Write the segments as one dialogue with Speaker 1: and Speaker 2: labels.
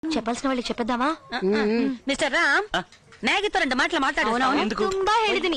Speaker 1: చెప్పాల్సిన వాళ్ళు చెప్పేద్దామా?
Speaker 2: మిస్టర్ రామ్, మ్యాగీతో 2 మాటలు మాట్లాడు.
Speaker 1: ತುಂಬಾ ಹೇಳಿದೀನಿ.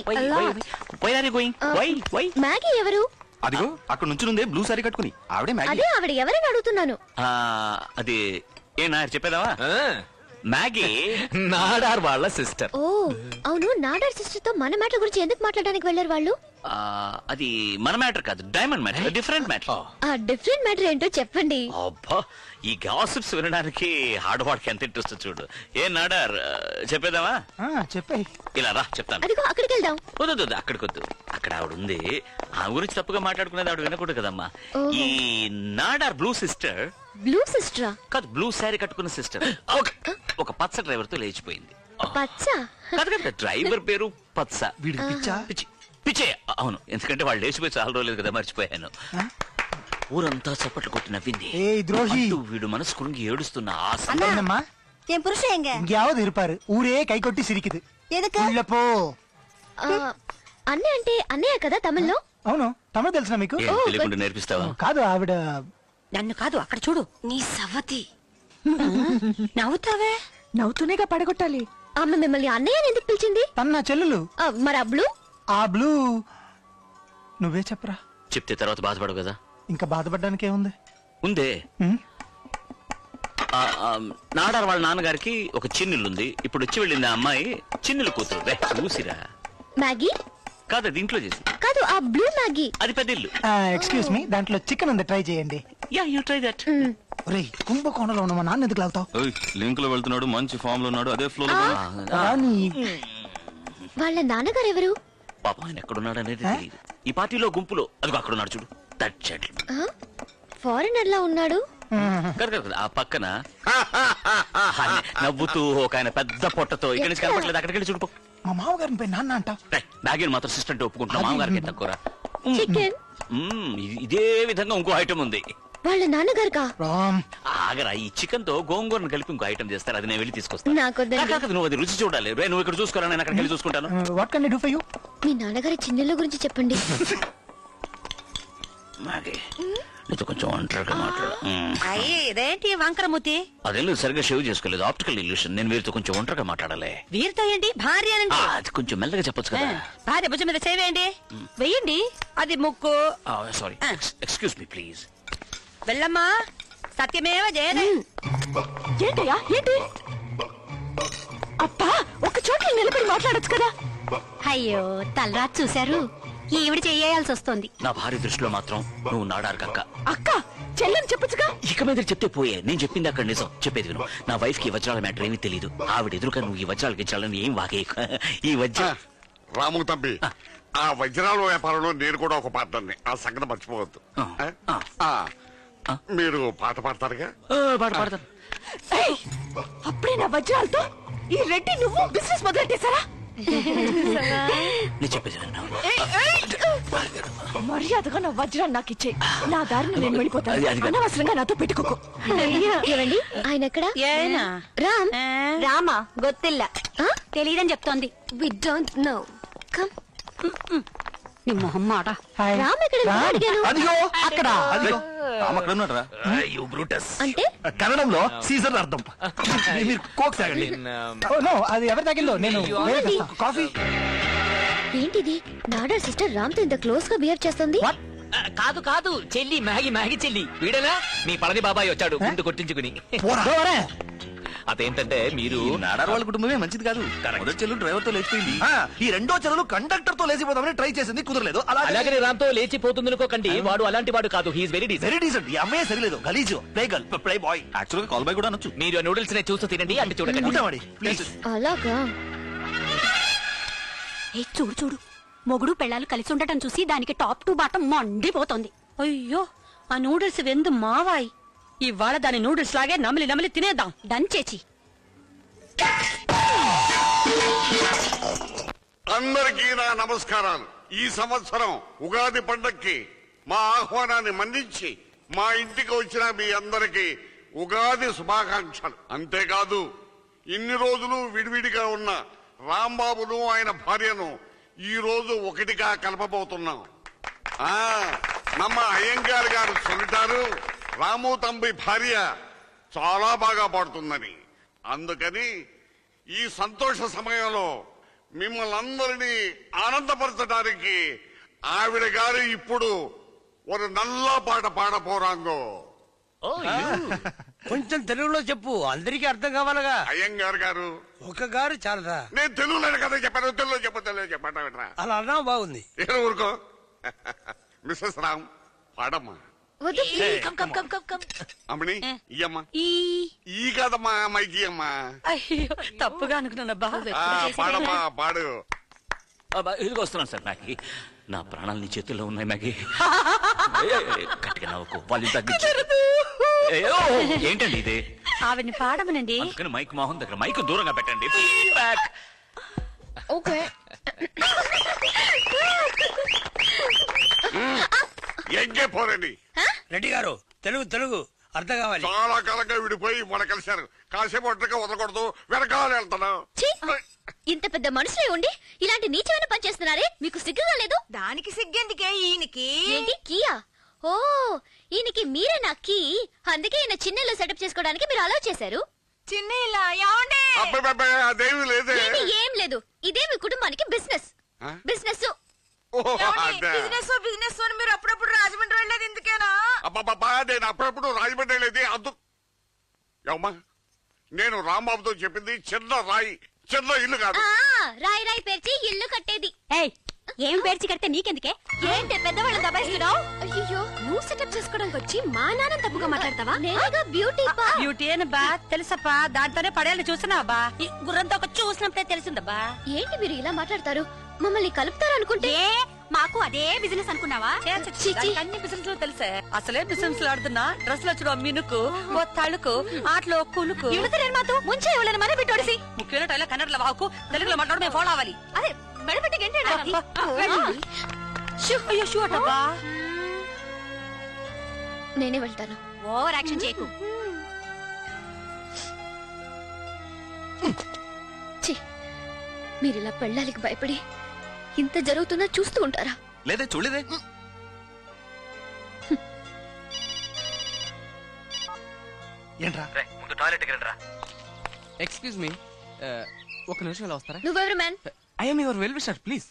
Speaker 1: మ్యాగీ ఎవరు?
Speaker 3: అదిగో అక్కడ నుంచి నుండే బ్లూ సారీ కట్టుకుని ఆవిడే మ్యాగీ.
Speaker 1: అదే ఆవిడ ఎవరని అడుగుతున్నాను.
Speaker 3: అది ఏ నా చెప్పేదావా?
Speaker 4: మ్యాగీ నాడార్ వాళ్ళ సిస్టర్.
Speaker 1: ఓ అవును, నాడార్ సిస్టర్ తో మన మ్యాటర్ గురించి ఎందుకు మాట్లాడడానికి వెళ్ళారు వాళ్ళు?
Speaker 3: అది మన మ్యాటర్ కాదు, డైమండ్ మ్యాటర్, డిఫరెంట్ మ్యాటర్.
Speaker 1: ఆ డిఫరెంట్ మ్యాటర్ ఏంటో చెప్పండి.
Speaker 3: అబ్బా, ఈ గాసిప్స్ వినడానికి ఆడవాడికి ఎంత ఇంట్రెస్ట్ చూడు. ఏ నాడార్ చెప్పేదావా?
Speaker 5: చెప్పాయి.
Speaker 3: ఇలా రా చెప్తాను.
Speaker 1: అదిగో అక్కడికి వెళ్దాం.
Speaker 3: వద్దు అక్కడికి వద్దు, అక్కడ ఆవిడ ఉంది. ఆ గురించి తప్పుగా మాట్లాడుకునేది ఆవిడ వినకూడదు కదమ్మా. ఈ నాడార్ బ్లూ సిస్టర్.
Speaker 1: బ్లూ సిస్టరా?
Speaker 3: కాదు, బ్లూ శారీ కట్టుకున్న సిస్టర్ ఒక పచ్చ డ్రైవర్ తో లేచిపోయింది.
Speaker 1: పచ్చ?
Speaker 3: కాదు కదా, డ్రైవర్ పేరు పచ్చ.
Speaker 5: వీడికి పిచ్చా?
Speaker 3: పిచ్చే. అవును, ఎందుకంటే వాళ్ళు లేచిపోయి చాలా రోజులేదు కదా, మర్చిపోయాను. ఊరంతా చప్పట్లు కొట్టి నవ్వింది. వీడు మనసు కురుంగి ఏడుస్తున్న
Speaker 2: అన్నమ్మా என் புருஷன் எங்க?
Speaker 5: எங்கேயாவது இருப்பாரு. ஊரே கை கொட்டி சிரிக்குது.
Speaker 2: எதுக்கு?
Speaker 5: உள்ள போ.
Speaker 1: అన్నయ్య అంటే అన్నయ్య కదా తమిళ్లో?
Speaker 5: అవును, తమిళ తెలుసా మీకు?
Speaker 3: తెలియకుండా నేర్పిస్తావా?
Speaker 5: కాదు, ఆవిడ
Speaker 2: నన్ను కాదు, అక్కడ చూడు. నీ సవతి నవ్వుతావే.
Speaker 1: నవ్వుతూనేగా పడగొట్టాలి. ఆమె మిమ్మల్ని అన్నయ్య ఎందుకు పిలిచింది?
Speaker 5: తన నా చెల్లెలు.
Speaker 1: మరి ఆ బ్లూ?
Speaker 5: ఆ బ్లూ నువ్వే చెప్పరా.
Speaker 3: చెప్తే తర్వాత బాధపడవు కదా.
Speaker 5: ఇంకా బాధపడడానికి ఏముంది?
Speaker 3: ఉందే. నాడార్ వాళ్ళ నాన్నగారికి ఒక చిన్నిల్లుంది. ఇప్పుడు వచ్చి వెళ్ళింది ఆ అమ్మాయి చిన్నిల్లు కూతురు. చూసిరా.
Speaker 1: మ్యాగీ
Speaker 3: కాదు, అది ఇంట్లో చేసి.
Speaker 1: కాదు, ఆ బ్లూ మ్యాగీ.
Speaker 3: అది పెద్ద ఇల్లు.
Speaker 5: ఎక్స్క్యూజ్ మీ, దాంట్లో చికెన్ ఉంది, ట్రై చేయండి.
Speaker 3: Yeah, you try that.
Speaker 5: ఒరేయ్, కుంభకోణంలో ఉన్న మా నాన్న ఎందుకు లాగుతావు?
Speaker 3: లింక్ లో వెళ్తున్నాడు, మంచి ఫామ్ లో ఉన్నాడు, అదే ఫ్లో లో.
Speaker 1: వాళ్ళ నాన్నగారు ఎవరు?
Speaker 3: పాప ఆయన ఎక్కడున్నాడు అనేది తెలియదు. ఈ పార్టీలో గుంపులో అదిగో అక్కడున్నాడు చూడు. That gentleman.
Speaker 1: ఫారినర్ లా ఉన్నాడు.
Speaker 3: ఆ పక్కన నవ్వుతూ ఒక ఆయన పెద్ద పొట్టతో ఇక్కడి నుంచి కనపడలేదు, అక్కడికి వెళ్ళి చూడుకో.
Speaker 5: మా మామగారిని పోయి నాన్న అంటావు.
Speaker 3: మ్యాగీని మాత్రం సిస్టర్ ఒప్పుకుంటున్నా, మామగారికి తక్కువ.
Speaker 1: చికెన్
Speaker 3: ఇదే విధంగా ఇంకో ఐటమ్ ఉంది.
Speaker 1: వాళ్ళ నాన్నగారుగా?
Speaker 3: ఆగరా, ఈ చికెన్ తో గోంగూరను కలిపి ఇంకో ఐటమ్ చేస్తారు, అది నేను వెళ్ళి తీసుకొస్తాను. నువ్వు అది రుచి చూడాలి. నువ్వు ఇక్కడ చూసుకోరా, నేను అక్కడికి వెళ్ళి చూసుకుంటాను.
Speaker 5: What can I do for you?
Speaker 1: మీ నాన్నగారి చిన్నెళ్ళ గురించి చెప్పండి.
Speaker 3: నీతో కొంచెం ఒంటరిగా మాట్లాడు.
Speaker 2: ఇదేంటి వంకరమూతి?
Speaker 3: అదేం లేదు, సరిగ్గా షేవ్ చేసుకోలేదు, ఆప్టికల్ ఇల్యూషన్. నేను వీరితో కొంచెం ఒంటరిగా మాట్లాడాలి.
Speaker 2: వీరితో ఏంటి? భార్య అనండి.
Speaker 3: అది కొంచెం మెల్లగా చెప్పొచ్చు కదా.
Speaker 2: భార్య భుజం మీద చేవేయండి, వెయ్యండి. అది ముక్కు.
Speaker 3: Sorry, excuse me please.
Speaker 2: వెళ్ళమ్మా, సత్యమేవ జయదే.
Speaker 1: ఏంటయ్యా ఏంటి? అబ్బా, ఒక చోట్ల నిలబడి మాట్లాడొచ్చు కదా.
Speaker 2: అయ్యో, తలరాత్ చూశారు. ఈవిడ చెయ్యాల్సి వస్తుంది.
Speaker 3: నా భార్య దృష్టిలో మాత్రం నువ్వు నాడారు కక్క.
Speaker 1: అక్క చెల్లెని చెప్పొచ్చుగా.
Speaker 3: ఇక మీద చెప్తే పోయే. నేను చెప్పింది అక్కడ నిజం. చెప్పేది విను. నా వైఫ్ కి వజ్రాల మ్యాటర్ ఏమీ తెలియదు. ఆవిడ ఎదురుగా నువ్వు ఈ వజ్రాలకి ఇచ్చాలని ఏం వాగే. ఈ వజ్ర
Speaker 6: రాము తంబి, ఆ వజ్రాల వ్యాపారంలో నేను కూడా ఒక పాత్రని. ఆ సంగతి మర్చిపోవద్దు. మీరు పాట పాడతారుగా?
Speaker 3: పాట పాడతాను.
Speaker 1: అప్పుడే నా వజ్రాలతో ఈ రెడ్డి నువ్వు బిజినెస్ మొదలెట్టేశారా?
Speaker 3: నేను చెప్పేది
Speaker 1: మర్యాదగా నా వజ్రాన్ని నాకు ఇచ్చే. నా దారిని నేను వెళ్ళిపోతాను. అనవసరంగా నాతో పెట్టుకోకు. ఏమండి, ఆయన ఎక్కడ? రామ్.
Speaker 2: రామా గొత్తిల్ల తెలియదని చెప్తోంది.
Speaker 1: We don't know. కమ్.
Speaker 2: నీ మొహం మాట.
Speaker 1: రామ్ ఎక్కడ? అడిగాను.
Speaker 5: అదిగో అక్కడ.
Speaker 1: అంటే
Speaker 5: కన్నడంలో సీజన్ అర్థం. మీరు కోక్ తాగండి. అది ఎవరి తాగిల్లో నేను కాఫీ.
Speaker 1: ఏంటిది? నాడా సిస్టర్ రామ్ తో ఇంత క్లోజ్ గా బిహేవ్ చేస్తుంది.
Speaker 4: కాదు కాదు, చెల్లి, మ్యాగీ చెల్లి. వీడనా మీ పళని బాబాయ్ వచ్చాడు ముందు కొట్టించుకుని. అదేంటంటే మీరు
Speaker 3: నాడార్ వాళ్ళ కుటుంబమే మంచిది కాదు. మొదటి చెల్లు డ్రైవర్ తో లేచిపోయింది.
Speaker 5: ఈ రెండో చెల్లెలు కండక్టర్ తో లేచిపోదామని ట్రై చేసింది, కుదరలేదు.
Speaker 4: అలాగే రామ్ తో లేచిపోతుంది అనుకోకండి. వాడు అలాంటి వాడు కాదు. He is very decent.
Speaker 5: ఈ అమ్మాయి సరిలేదు, గలీజు. Play girl, play boy.
Speaker 3: Actual గా కాల్ బాయ్ కూడా అనొచ్చు.
Speaker 4: మీరు నూడిల్స్ నే చూస్తూ తినండి, అంటే చూడకండి.
Speaker 1: అలాగా?
Speaker 2: చూడు చూడు, మొగుడు పెళ్ళాలు కలిసి ఉండటం చూసి దానికి టాప్ టు బాటం మండిపోతోంది. అయ్యో, ఆ నూడిల్స్ వెందు మావాయి. ఇవాళ దాని నూడిల్స్ లాగే నమిలి నమిలి తినేద్దాం. డన్ చేచి.
Speaker 6: అందరికీ నా నమస్కారాలు. ఈ సంవత్సరం ఉగాది పండక్కి మా ఆహ్వానాన్ని మన్నించి మా ఇంటికి వచ్చిన మీ అందరికీ ఉగాది శుభాకాంక్షలు. అంతేకాదు, ఇన్ని రోజులు విడివిడిగా ఉన్న రాంబాబును ఆయన భార్యను ఈ రోజు ఒకటిగా కలపబోతున్నాం. నమ్మ అయ్యంగార్ గారు చెబుతారు, రాము తంబి భార్య చాలా బాగా పాడుతుందని. అందుకని ఈ సంతోష సమయంలో మిమ్మల్ని అందరినీ ఆనందపరచడానికి ఆవిడ గారు ఇప్పుడు ఒక నల్ల పాట పాడపోరాంగో.
Speaker 7: కొంచెం తెలుగులో చెప్పు, అందరికీ అర్థం కావాలగా.
Speaker 6: అయ్యంగారు గారు
Speaker 7: ఒక గారు చాలదా?
Speaker 6: నేను తెలుగులో కదా చెప్పాను, తెలుగులో చెప్పండి.
Speaker 7: అలా అన్నా బాగుంది.
Speaker 6: ఏం ఊరుకో. మిస్సెస్ రామ్ పాడమ్మా. అమ్మని ఇయ్యమ్మా. ఈ కదమ్మా అమ్మాయికి అమ్మా.
Speaker 2: అయ్యో తప్పుగా అనుకున్నానబ్బా.
Speaker 6: పాడమ్మా పాడు.
Speaker 3: ఇదిగో వస్తున్నాను సార్. మ్యాగీ, నా ప్రాణాలు నీ చేతుల్లో ఉన్నాయి మ్యాగీ. గట్టిగా నవ్వుకో, వాళ్ళు తగ్గించు. ఏంటండి ఇది?
Speaker 2: ఆవిడ్ని పాడమనండి.
Speaker 3: అందుకని మైక్ మోహన్ దగ్గర మైక్ దూరంగా పెట్టండి. ఫీడ్బ్యాక్.
Speaker 1: ఓకే.
Speaker 6: ఎంగే పోరండి.
Speaker 7: రెడ్డి గారు తెలుగు తెలుగు అర్థం కావాలి.
Speaker 6: చాలా కాలంగా విడిపోయి మన కలిశారు. కాసేపు ఒంటరిగా వదలకూడదు, వెనకాల వెళ్తాను.
Speaker 1: ఛీ! ఇంత పెద్ద మనుషులే ఉండి ఇలాంటి నీచమైన పని చేస్తున్నారే, మీకు సిగ్గుగా లేదు?
Speaker 8: దానికి సిగ్గెందుకే ఈయనకి?
Speaker 1: ఏంటి కీయా? ఓ, ఈయనకి మీరే నా కీ. అందుకే ఈయన చిన్నలో సెటప్ చేసుకోవడానికి మీరు అలౌ చేశారు.
Speaker 8: చిన్న ఇలా ఏమండి?
Speaker 6: అబ్బాయి అదేమి లేదే.
Speaker 1: ఏమీ ఏం లేదు. ఇదే మీ కుటుంబానికి బిజినెస్. బిజినెస్
Speaker 8: బిజినెస్ అని మీరు అప్పుడప్పుడు రాజమండ్రి వెళ్ళేది ఎందుకేనా?
Speaker 6: అబ్బాబా, నేను అప్పుడప్పుడు రాజమండ్రి వెళ్ళేది అమ్మా. నేను రాంబాబుతో చెప్పింది చిన్న రాయి, చిన్న ఇల్లు కాదు.
Speaker 1: రాయి రాయి పేర్చి ఇల్లు కట్టేది.
Speaker 2: ఏం పేర్చి కడితే నీకెందుకే?
Speaker 1: ఏంటి పెద్దవాళ్ళు దబాయిస్తున్నావు? అయ్యో, నువ్వు సెటప్ చేసుకోవడానికి వచ్చి మా నాన్న తప్పుగా మాట్లాడతావా? నేనేగా బ్యూటీ పా.
Speaker 2: బ్యూటీ అని బా తెలుసప్పా, దాంతోనే పడేయాలని చూస్తున్నావా? ఈ గుర్రంతో ఒక చూసినప్పుడే తెలిసిందబ్బా.
Speaker 1: ఏంటి మీరు ఇలా మాట్లాడతారు? మమ్మల్ని కలుపుతారు అనుకుంటే
Speaker 2: మాకు అదే బిజినెస్ అనుకున్నావా? అన్ని బిజినెస్ తెలుసే. అసలే బిజినెస్ ఆడుతున్నా డ్రెస్ లో చూడ మినుకు, ఓ తళుకు, ఆటలో కులుకు.
Speaker 1: మాతో ముంచే ఇవ్వలేని మన బిట్టోడిసి.
Speaker 2: ముఖ్యమైన టైలో కన్నడలో వాకు, తెలుగులో మాట్లాడు మేము ఫాలో అవ్వాలి.
Speaker 1: అదే మెడపెట్టి గంటే
Speaker 2: అయ్యో షూ అటబ్బా.
Speaker 1: నేనే వెళ్తాను.
Speaker 2: ఓవర్ యాక్షన్ చేయకు.
Speaker 1: మీరిలా పెళ్ళాలికి భయపడి ఇంత జరుగుతున్నా చూస్తూ ఉంటారా?
Speaker 3: లేదే, చూడలేదే.
Speaker 5: ఏంట్రా?
Speaker 4: ముందు టాయిలెట్ రండి రా.
Speaker 9: ఎక్స్క్యూజ్ మీ, ఒక నిమిషం ఇలా వస్తారా?
Speaker 1: నువ్వెవరు man?
Speaker 9: I'm your well wisher, please.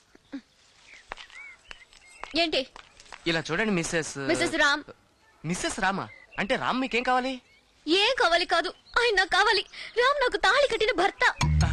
Speaker 1: ఏంటి?
Speaker 9: ఇలా చూడండి మిస్సెస్
Speaker 1: మిస్సెస్ రామ్.
Speaker 9: మిస్సెస్ రామా? అంటే రామ్ మీకేం కావాలి?
Speaker 1: ఏం కావాలి కాదు, ఆయన నాకు కావాలి. రామ్ నాకు తాళి కట్టిన భర్త.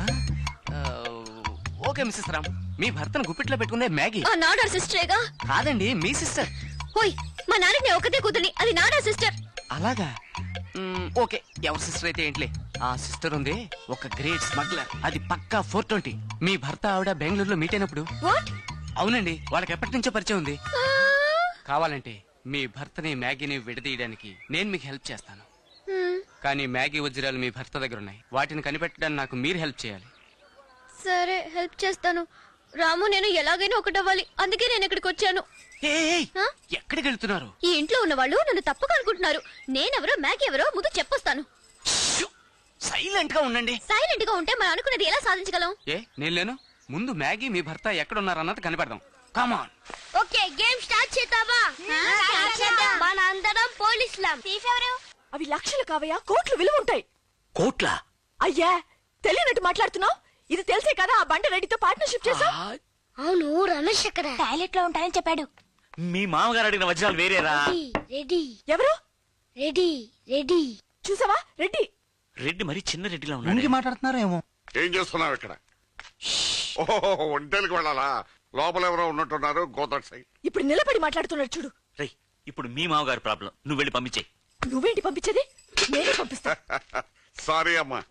Speaker 9: ఓకే మిస్సెస్ రామ్, మీ భర్తను గుప్పిట్లో పెట్టుకునే మ్యాగీ.
Speaker 1: ఆ నాడార్ సిస్టరేగా?
Speaker 9: కాదండి, మీ సిస్టర్.
Speaker 1: ఓయ్, మా నాన్నకి ఒకతే కూతుని, అది నాడార్ సిస్టర్.
Speaker 9: అలాగా? ఓకే, ఎవరి సిస్టర్ అయితే ఏంట్లే. ఆ సిస్టర్ ఉంది ఒక గ్రేట్ స్మగ్లర్, అది పక్కా 420. మీ భర్త ఆవిడ బెంగళూరులో మీట్ అయినప్పుడు.
Speaker 1: వాట్?
Speaker 9: అవునండి, వాళ్ళకి ఎప్పటి నుంచో పరిచయం ఉంది. కావాలంటే మీ భర్తని మ్యాగీని విడదీయడానికి నేను మీకు హెల్ప్ చేస్తాను. కానీ మ్యాగీ వజ్రాలు మీ భర్త దగ్గర ఉన్నాయి, వాటిని కనిపెట్టడానికి నాకు మీరు హెల్ప్ చేయాలి.
Speaker 1: సరే, హెల్ప్ చేస్తాను. రాము నేను ఎలాగైనా ఒకటవ్వాలి, అందుకే నేను ఇక్కడికి వచ్చాను.
Speaker 9: ఎక్కడికి వెళ్తున్నారు?
Speaker 1: ఈ ఇంట్లో ఉన్న వాళ్ళు నన్ను తప్పుగా అనుకుంటున్నారు. నేనెవరో మ్యాగీ ఎవరో ముందు చెప్పొస్తాను.
Speaker 9: సైలెంట్ గా ఉండండి.
Speaker 1: సైలెంట్ గా ఉంటే మనం అనుకున్నది ఎలా సాధించగలం?
Speaker 9: నేను లేను. ముందు మ్యాగీ మీ భర్త ఎక్కడున్నారన్నది కనిపెడదాం. కమాన్.
Speaker 1: ఓకే, గేమ్ స్టార్ట్ చేద్దామా? మన అందరం పోలీసులం.
Speaker 8: అవి లక్షలు కావయ్యా, కోట్లు విలువ ఉంటాయి.
Speaker 3: కోట్ల?
Speaker 8: అయ్యా, తెలియనట్టు మాట్లాడుతున్నావు. ఇది తెలిసే కదా ఆ బండ రెడ్డితో పార్ట్నర్షిప్ చేసా.
Speaker 1: అవును, రమేష్ ఎక్కడ? టాయిలెట్ లో ఉంటానని చెప్పాడు.
Speaker 3: మీ మామగారు అడిగిన వజ్రాలు వేరేరా?
Speaker 1: రెడ్డి.
Speaker 8: ఎవరు?
Speaker 1: రెడ్డి. రెడ్డి
Speaker 8: చూసావా? రెడ్డి.
Speaker 3: రెడ్డి మరి చిన్న రెడ్డిలా
Speaker 5: ముందుకి
Speaker 3: ఉన్నాడు.
Speaker 5: మాట్లాడుతున్నారేమో.
Speaker 6: ఏం చేస్తున్నావు ఇక్కడ? ఓహో, ఒంటేలకు వెళ్ళాలా? లోపల ఎవరో ఉన్నట్టున్నారు. గోదట్ సై.
Speaker 8: ఇప్పుడు నిలబడి మాట్లాడుతున్నాడు చూడు.
Speaker 3: రేయ్, ఇప్పుడు మీ మామగారు ప్రాబ్లం, నువ్వు వెళ్ళి పంపించేయి.
Speaker 8: నువ్వేంటి పంపించేది? నేనే పంపిస్తా.
Speaker 6: సారీ అమ్మా.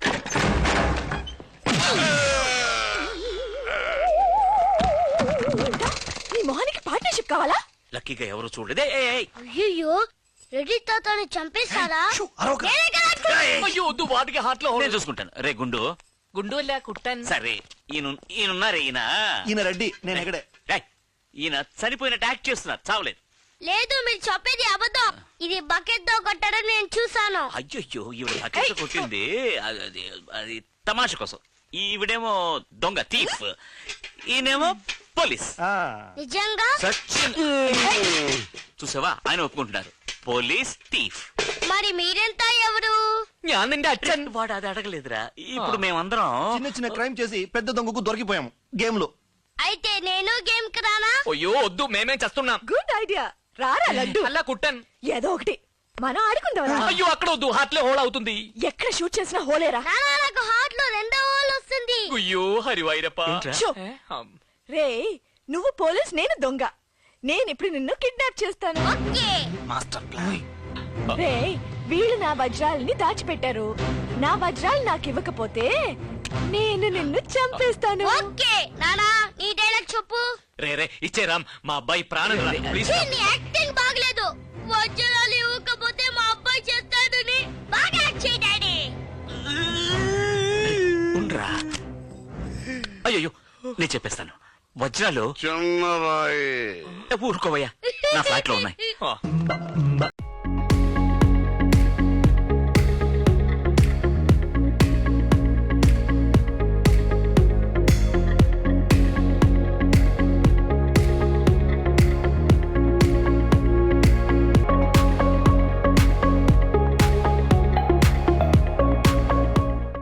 Speaker 8: నీ మొహానికి పార్ట్నర్షిప్ కావాలా?
Speaker 3: లక్కీగా ఎవరు చూడలేదే.
Speaker 1: అయ్యో, రెడ్డి తాతని చంపేస్తారా?
Speaker 4: అయ్యో వద్దు, వాటికి హార్ట్ లో
Speaker 3: నేను చూసుకుంటాను. రే గుండు.
Speaker 4: గుండు కుట్టాను.
Speaker 3: సరే, ఈయనున్నారే ఈయన.
Speaker 5: ఈయన రెడ్డి, నేను ఎక్కడే.
Speaker 3: రేయ్, ఈయన చనిపోయినట్టు యాక్ట్ చేస్తున్నారు, చావలేదు.
Speaker 1: లేదు, మీరు చెప్పేది అబద్ధం. ఇది బకెట్ తో కొట్టడం నేను చూసాను.
Speaker 3: అయ్యో, ఈవిడ బకెట్ కొట్టింది అది తమాష కోసం. ఈవిడేమో దొంగ, థీఫ్. ఈయనేమో పోలీస్.
Speaker 1: నిజంగా?
Speaker 3: సచిన్. చూసావా, ఆయన ఒప్పుకుంటున్నారు. Police, thief.
Speaker 1: మా
Speaker 2: మరి మీరెంత ఎవరు?
Speaker 4: ഞാൻ നിന്റെ അച്ഛൻ.
Speaker 3: వాడు అది అడగలేదురా. ఇప్పుడు మేమందరం
Speaker 5: చిన్న చిన్న క్రైమ్ చేసి పెద్ద దొంగకు దొరికిపోయాం గేమ్ లో.
Speaker 2: అయితే నేను గేమ్ కి రానా?
Speaker 4: అయ్యో వద్దు, మేమేం చేస్తున్నాం.
Speaker 8: Good idea. రారా లడ్డు.
Speaker 4: అలా కుట్టన్.
Speaker 8: ఏదో ఒకటి మనం ఆడుకుందాం.
Speaker 4: అయ్యో అక్కడ వద్దు, హార్ట్లే హోల్ అవుతుంది.
Speaker 8: ఎక్కడ షూట్ చేసినా హోలేరా.
Speaker 2: నాకు హార్ట్ లో 2వ హోల్ వస్తుంది.
Speaker 4: అయ్యో హరివైరప్ప.
Speaker 8: షో. రే నువ్వు పోలీస్, నేను దొంగ. నేను ఇప్పుడు నిన్ను కిడ్నాప్ చేస్తాను.
Speaker 5: Master plan.
Speaker 8: రే వీళ్ళు నా వజ్రాలని దాచిపెట్టారు. నా వజ్రాలు నాకు ఇవ్వకపోతే నేను నిన్ను చంపేస్తాను.
Speaker 2: ఓకే నానా, నీ డైలాగ్ చెప్పు.
Speaker 4: రే రే ఇచ్చే రామ్, మా అబ్బాయి ప్రాణం రా, ప్లీజ్.
Speaker 2: నీ యాక్టింగ్ బాగలేదు. వజ్రాలు ఇవ్వకపోతే మా అబ్బాయి చేస్తాడని బాగా యాక్ట్ చేయి డాడీ.
Speaker 3: ఉండ్రా. అయ్యో నేను చెప్పేస్తాను. వజ్రాలు
Speaker 6: చిన్నరాయి
Speaker 3: ఊరుకోవయ్యా, నా ఫ్లాట్ లో ఉన్నాయి.